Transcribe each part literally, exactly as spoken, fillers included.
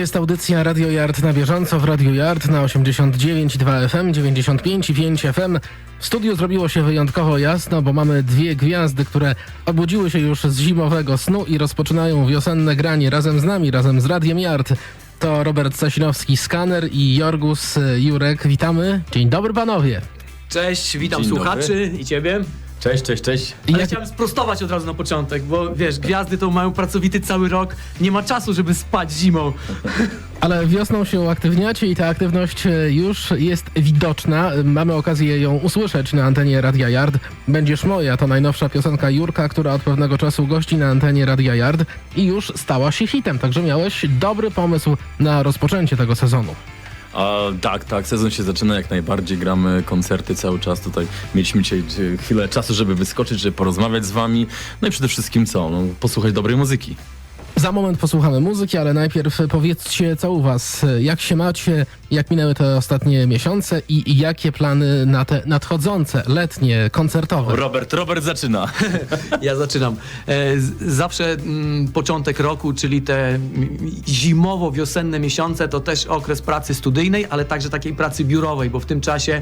jest audycja Radio Yard na bieżąco w Radio Yard na osiemdziesiąt dziewięć i dwa F M, dziewięćdziesiąt pięć i pięć F M. W studiu zrobiło się wyjątkowo jasno, bo mamy dwie gwiazdy, które obudziły się już z zimowego snu i rozpoczynają wiosenne granie razem z nami, razem z Radiem Yard. To Robert Sasinowski, Skaner, i Jorgus Jurek. Witamy. Dzień dobry, panowie. Cześć, witam Dzień słuchaczy dobry. i ciebie. Cześć, cześć, cześć. Ale Jak- chciałem sprostować od razu na początek, bo wiesz, gwiazdy to mają pracowity cały rok, nie ma czasu, żeby spać zimą. Ale wiosną się uaktywniacie i ta aktywność e, już jest widoczna. Mamy okazję ją usłyszeć na antenie Radia Yard. Będziesz moja to najnowsza piosenka Jurka, która od pewnego czasu gości na antenie Radia Yard i już stała się hitem. Także miałeś dobry pomysł na rozpoczęcie tego sezonu. A, tak, tak, sezon się zaczyna jak najbardziej, gramy koncerty cały czas tutaj. Mieliśmy dzisiaj e, chwilę czasu, żeby wyskoczyć, żeby porozmawiać z wami. No i przede wszystkim co? No, posłuchać dobrej muzyki. Za moment posłuchamy muzyki, ale najpierw powiedzcie, co u was, jak się macie, jak minęły te ostatnie miesiące i, i jakie plany na te nadchodzące, letnie, koncertowe. Robert, Robert zaczyna. Ja zaczynam. E, z- zawsze mm, początek roku, czyli te mm, zimowo-wiosenne miesiące, to też okres pracy studyjnej, ale także takiej pracy biurowej, bo w tym czasie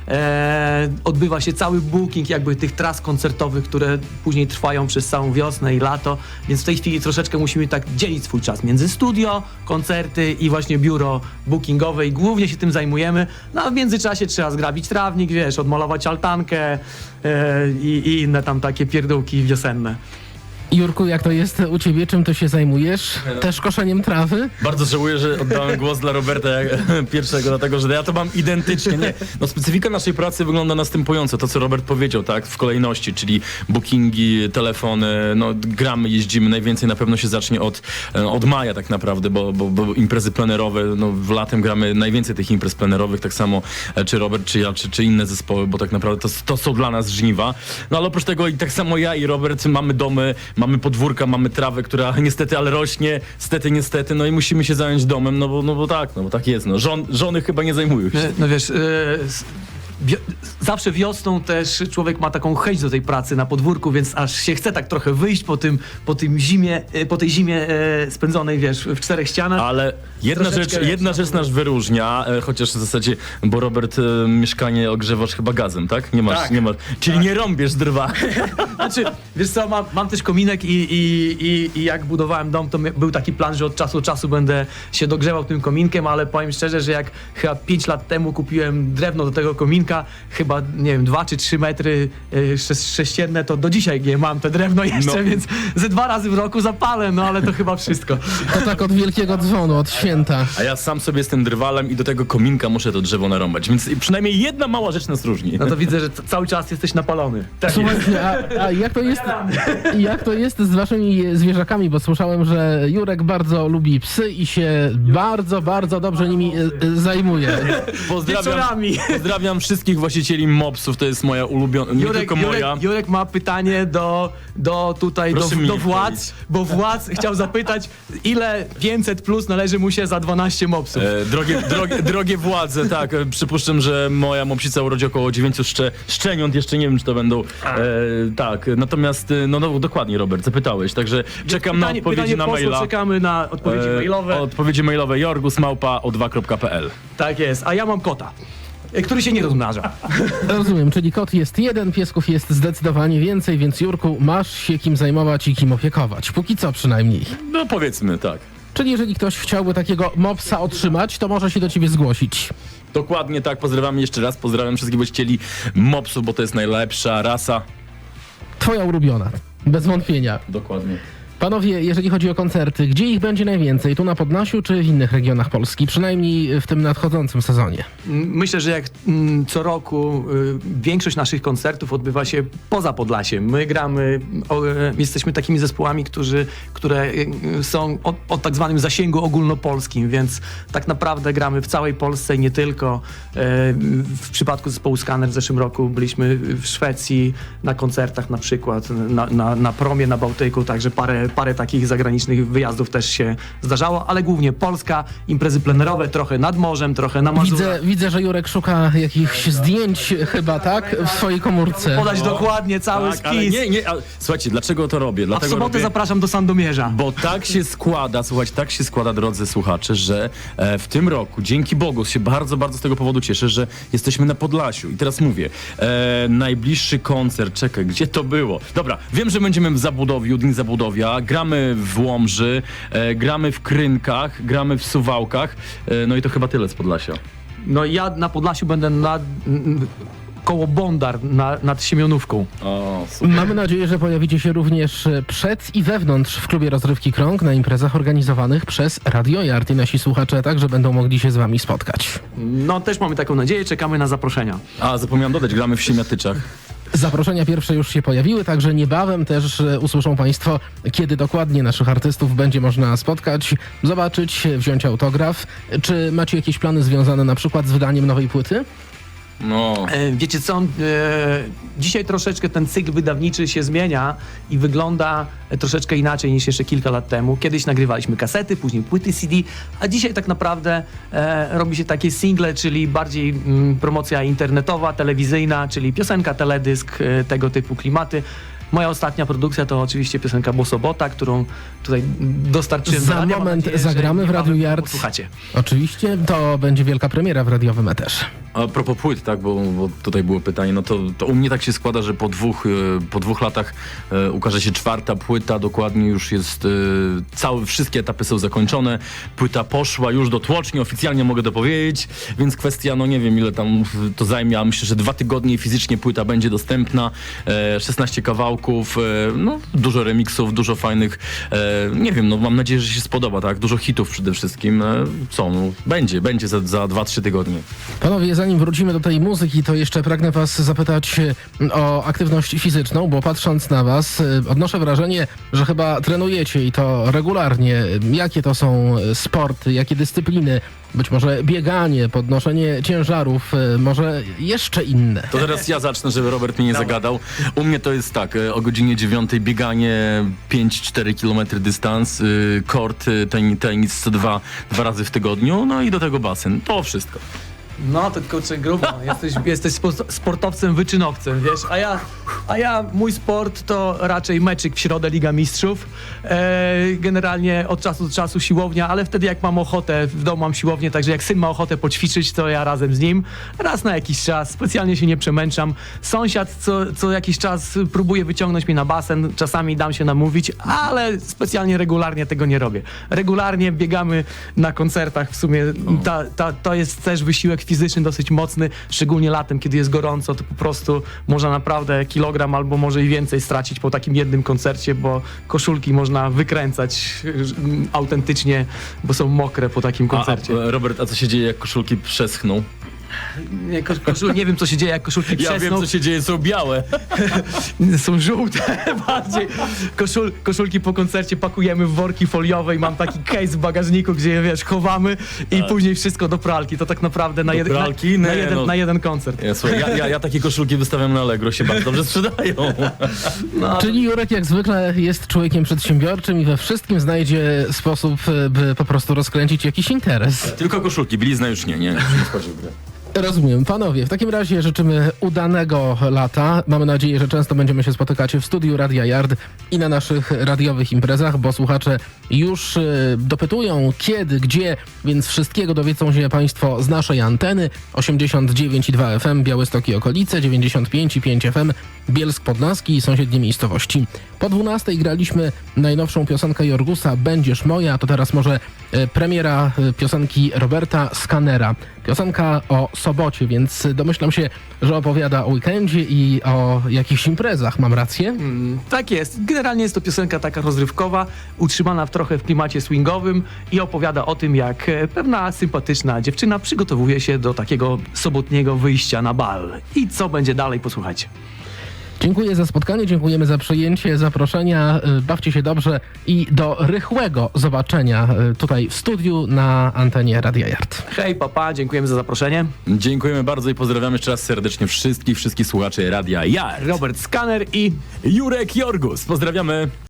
e, odbywa się cały booking jakby tych tras koncertowych, które później trwają przez całą wiosnę i lato, więc w tej chwili troszeczkę musimy tak dzielić swój czas między studio, koncerty i właśnie biuro bookingowe i głównie się tym zajmujemy, no a w międzyczasie trzeba zgrabić trawnik, wiesz, odmalować altankę e, i, i inne tam takie pierdółki wiosenne. Jurku, jak to jest u ciebie, czym ty się zajmujesz? Też koszeniem trawy? Bardzo żałuję, że oddałem głos dla Roberta jak, pierwszego, dlatego że ja to mam identycznie. Nie. No, specyfika naszej pracy wygląda następująco, to co Robert powiedział, tak, w kolejności, czyli bookingi, telefony, no gramy, jeździmy, najwięcej na pewno się zacznie od, od maja tak naprawdę, bo, bo, bo imprezy plenerowe, no w latem gramy najwięcej tych imprez plenerowych, tak samo e, czy Robert, czy ja, czy, czy inne zespoły, bo tak naprawdę to, to są dla nas żniwa. No ale oprócz tego i tak samo ja i Robert mamy domy, mamy podwórka, mamy trawę, która niestety, ale rośnie, stety, niestety, no i musimy się zająć domem, no bo, no bo tak, no bo tak jest, no. Żon, żony chyba nie zajmują się. E, No wiesz, e, s- wio- zawsze wiosną też człowiek ma taką chęć do tej pracy na podwórku, więc aż się chce tak trochę wyjść po tym, po tym zimie, e, po tej zimie e, spędzonej, wiesz, w czterech ścianach. Ale jedna Troszeczkę rzecz, lepsza. jedna rzecz nas wyróżnia, e, chociaż w zasadzie, bo Robert, e, mieszkanie ogrzewasz chyba gazem, tak? Nie masz, Tak. nie masz. Czyli nie rąbiesz drwa. Znaczy, wiesz co, mam, mam też kominek i, i, i, i jak budowałem dom, to mi- był taki plan, że od czasu do czasu będę się dogrzewał tym kominkiem, ale powiem szczerze, że jak chyba pięć lat temu kupiłem drewno do tego kominka, chyba, nie wiem, dwa czy trzy metry y, sze- sześcienne, to do dzisiaj nie mam te drewno jeszcze, No. więc ze dwa razy w roku zapalę, no ale to chyba wszystko. To tak od wielkiego dzwonu, od święta. A ja sam sobie jestem drwalem i do tego kominka muszę to drzewo narąbać, więc przynajmniej jedna mała rzecz nas różni. No to widzę, że c- cały czas jesteś napalony. Tak. Słuchajcie, a, a jak to jest, jak to jest z waszymi zwierzakami? Bo słyszałem, że Jurek bardzo lubi psy i się bardzo, bardzo dobrze nimi e, e, zajmuje. Pozdrawiam, Wieczorami. pozdrawiam wszystkich właścicieli mopsów, to jest moja ulubiona, nie Jurek, tylko moja. Jurek, Jurek ma pytanie do, do tutaj, do, Proszę mi do nie władz, bo władz chciał zapytać, ile pięćset plus należy mu się za dwanaście mopsów. E, drogie, drogie, drogie władze, tak, e, przypuszczam, że moja mopsica urodzi około dziewięciu szcze, szczeniąt, jeszcze nie wiem, czy to będą, e, tak, natomiast, e, no, no dokładnie, Robert, zapytałeś, także czekam na Pytanie- odpowiedzi pytanie na poszło, maila. czekamy na odpowiedzi E, mailowe. Odpowiedzi mailowe jorgus małpa o dwa kropka p l. Tak jest, a ja mam kota, e, który się nie rozmnaża. Rozumiem, czyli kot jest jeden, piesków jest zdecydowanie więcej, więc Jurku, masz się kim zajmować i kim opiekować. Póki co przynajmniej. No powiedzmy, tak. Czyli jeżeli ktoś chciałby takiego mopsa otrzymać, to może się do ciebie zgłosić. Dokładnie tak, pozdrawiam jeszcze raz, pozdrawiam wszystkich właścicieli mopsów, bo to jest najlepsza rasa. Twoja ulubiona, bez wątpienia. Dokładnie. Panowie, jeżeli chodzi o koncerty, gdzie ich będzie najwięcej? Tu na Podlasiu czy w innych regionach Polski? Przynajmniej w tym nadchodzącym sezonie. Myślę, że jak mm, co roku y, większość naszych koncertów odbywa się poza Podlasiem. My gramy, o, e, jesteśmy takimi zespołami, którzy, które y, są o, o tak zwanym zasięgu ogólnopolskim, więc tak naprawdę gramy w całej Polsce i nie tylko. E, w przypadku zespołu Skaner w zeszłym roku byliśmy w Szwecji na koncertach na przykład, na, na, na promie na Bałtyku, także parę parę takich zagranicznych wyjazdów też się zdarzało, ale głównie Polska, imprezy plenerowe, trochę nad morzem, trochę na Mazurach. Widzę, widzę, że Jurek szuka jakichś zdjęć chyba, tak? W swojej komórce. Podać dokładnie cały Tak, ale spis. nie, nie, ale, słuchajcie, dlaczego to robię? A w Dlatego sobotę robię, zapraszam do Sandomierza. Bo tak się składa, słuchajcie, tak się składa, drodzy słuchacze, że e, w tym roku, dzięki Bogu, się bardzo, bardzo z tego powodu cieszę, że jesteśmy na Podlasiu. I teraz mówię, e, najbliższy koncert, czekaj, gdzie to było? Dobra, wiem, że będziemy w Zabudowiu, Dni Zabudowia, gramy w Łomży, e, gramy w Krynkach, gramy w Suwałkach, e, no i to chyba tyle z Podlasia. No ja na Podlasiu będę nad, m, koło Bondar na, nad Siemionówką. O, super. Mamy nadzieję, że pojawicie się również przed i wewnątrz w klubie Rozrywki Krąg na imprezach organizowanych przez Radio Yard i nasi słuchacze także będą mogli się z wami spotkać. No też mamy taką nadzieję, czekamy na zaproszenia. A, zapomniałem dodać, gramy w Siemiatyczach. Zaproszenia pierwsze już się pojawiły, także niebawem też e, usłyszą Państwo, kiedy dokładnie naszych artystów będzie można spotkać, zobaczyć, wziąć autograf. Czy macie jakieś plany związane na przykład z wydaniem nowej płyty? No... E, Wiecie co, e, dzisiaj troszeczkę ten cykl wydawniczy się zmienia i wygląda troszeczkę inaczej niż jeszcze kilka lat temu. Kiedyś nagrywaliśmy kasety, później płyty C D, a dzisiaj tak naprawdę e, robi się takie single, czyli bardziej mm, promocja internetowa, telewizyjna, czyli piosenka, teledysk, e, tego typu klimaty. Moja ostatnia produkcja to oczywiście piosenka Bosobota, którą tutaj dostarczyłem. Za do radia. Mam moment nadzieję, że zagramy w niebawem Radiu ją Yard. posłuchacie. Oczywiście, to będzie wielka premiera w radiowym eterze. A propos płyt, tak, bo, bo tutaj było pytanie, no to, to u mnie tak się składa, że po dwóch, e, po dwóch latach e, ukaże się czwarta płyta, dokładnie już jest, e, całe, wszystkie etapy są zakończone, płyta poszła już do tłoczni, oficjalnie mogę to powiedzieć, więc kwestia, no nie wiem ile tam to zajmie, a myślę, że dwa tygodnie fizycznie płyta będzie dostępna, e, szesnaście kawałków, e, no dużo remiksów, dużo fajnych, e, nie wiem, no mam nadzieję, że się spodoba, tak, dużo hitów przede wszystkim, e, co, no, będzie, będzie za, za dwa trzy tygodnie. Panowie, zanim wrócimy do tej muzyki, to jeszcze pragnę was zapytać e, o aktywność fizyczną, bo patrząc na was, e, odnoszę wrażenie, że chyba trenujecie i to regularnie. Jakie to są sporty, jakie dyscypliny? Być może bieganie, podnoszenie ciężarów, e, może jeszcze inne. To teraz ja zacznę, żeby Robert mnie nie zagadał. U mnie to jest tak, e, o godzinie dziewiątej bieganie pięć cztery kilometry dystans, y, kort, y, ten, tenis co dwa, dwa razy w tygodniu, no i do tego basen. To wszystko. No to kurczę grubo, jesteś, jesteś spo- sportowcem, wyczynowcem, wiesz, a ja, a ja, mój sport to raczej meczyk w środę Liga Mistrzów, e, generalnie od czasu do czasu siłownia, ale wtedy jak mam ochotę, w domu mam siłownię, także jak syn ma ochotę poćwiczyć, to ja razem z nim, raz na jakiś czas, specjalnie się nie przemęczam, sąsiad co, co jakiś czas próbuje wyciągnąć mnie na basen, czasami dam się namówić, ale specjalnie regularnie tego nie robię. Regularnie biegamy na koncertach, w sumie ta, ta, to jest też wysiłek fizyczny dosyć mocny, szczególnie latem, kiedy jest gorąco, to po prostu można naprawdę kilogram albo może i więcej stracić po takim jednym koncercie, bo koszulki można wykręcać mm, autentycznie, bo są mokre po takim A, koncercie. a, Robert, a co się dzieje, jak koszulki przeschną? Nie, kosz, koszul, nie wiem, co się dzieje, jak koszulki Ja przesną. wiem, co się dzieje, są białe. Są żółte bardziej. Koszul, koszulki po koncercie pakujemy w worki foliowe i mam taki case w bagażniku, gdzie je, wiesz, chowamy i później wszystko do pralki. To tak naprawdę na, Do jed, pralki? na, na, Nie, jeden, no. na jeden koncert. Ja, słuchaj, ja, ja, ja takie koszulki wystawiam na Allegro, się bardzo dobrze sprzedają. No, Czyli Jurek jak zwykle jest człowiekiem przedsiębiorczym i we wszystkim znajdzie sposób, e, by po prostu rozkręcić jakiś interes. Tylko koszulki, bilizna już nie, nie, już nie wchodzi w grę. Rozumiem. Panowie, w takim razie życzymy udanego lata. Mamy nadzieję, że często będziemy się spotykać w studiu Radia Yard i na naszych radiowych imprezach, bo słuchacze już y, dopytują kiedy, gdzie, więc wszystkiego dowiedzą się Państwo z naszej anteny. osiemdziesiąt dziewięć i dwa F M Białystok i okolice, dziewięćdziesiąt pięć i pięć F M Bielsk Podlaski i sąsiednie miejscowości. Po dwunastej graliśmy najnowszą piosenkę Jorgusa Będziesz moja, to teraz może y, premiera y, piosenki Roberta Skanera. Piosenka o sobocie, więc domyślam się, że opowiada o weekendzie i o jakichś imprezach. Mam rację? Mm, tak jest. Generalnie jest to piosenka taka rozrywkowa, utrzymana w trochę w klimacie swingowym i opowiada o tym, jak e, pewna sympatyczna dziewczyna przygotowuje się do takiego sobotniego wyjścia na bal. I co będzie dalej, posłuchajcie. Dziękuję za spotkanie, dziękujemy za przyjęcie zaproszenia. Y, Bawcie się dobrze i do rychłego zobaczenia y, tutaj w studiu na antenie Radia Yard. Hej, papa, dziękujemy za zaproszenie. Dziękujemy bardzo i pozdrawiamy jeszcze raz serdecznie wszystkich, wszystkich słuchaczy Radia Yard. Robert Skaner i Jurek Jorgus, pozdrawiamy.